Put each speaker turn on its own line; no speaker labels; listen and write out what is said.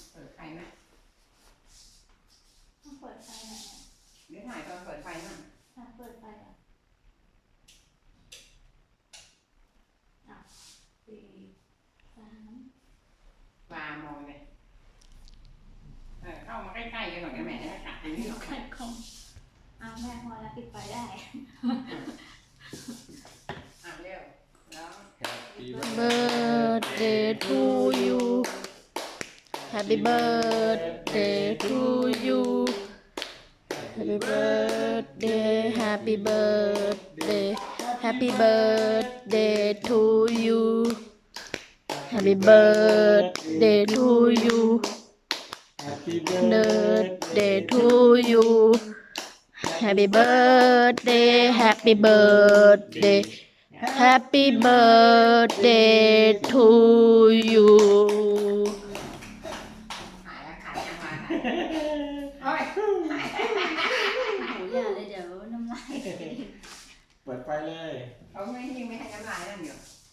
เปิดไฟไหม
ต้องเปิดไฟหน่อย
เดี๋ยวถ่ายตอนเปิดไฟมั่ง
เปิดไฟอ่ะ4 3
วามองเลยเข้ามาใกล้ๆกันหน่อยนะแม่จะกัดตรงนี้หรอก
ไข่ของแม่พอแล้วปิดไฟได้
เร็วแล้ว
Birthday to you Happy birthday to you Happy birthday Happy birthday Happy birthday to you Happy birthday to you
Happy
birthday to you Happy birthday Happy birthday Happy birthday to you
ถ่ายแล้วถ่ายยังมาโอ้ย
โหอย่าเลยเดี๋ยวน้ำลาย
เปิดไฟเลย
เขาไม่ให้น้ำลายนั่นอยู่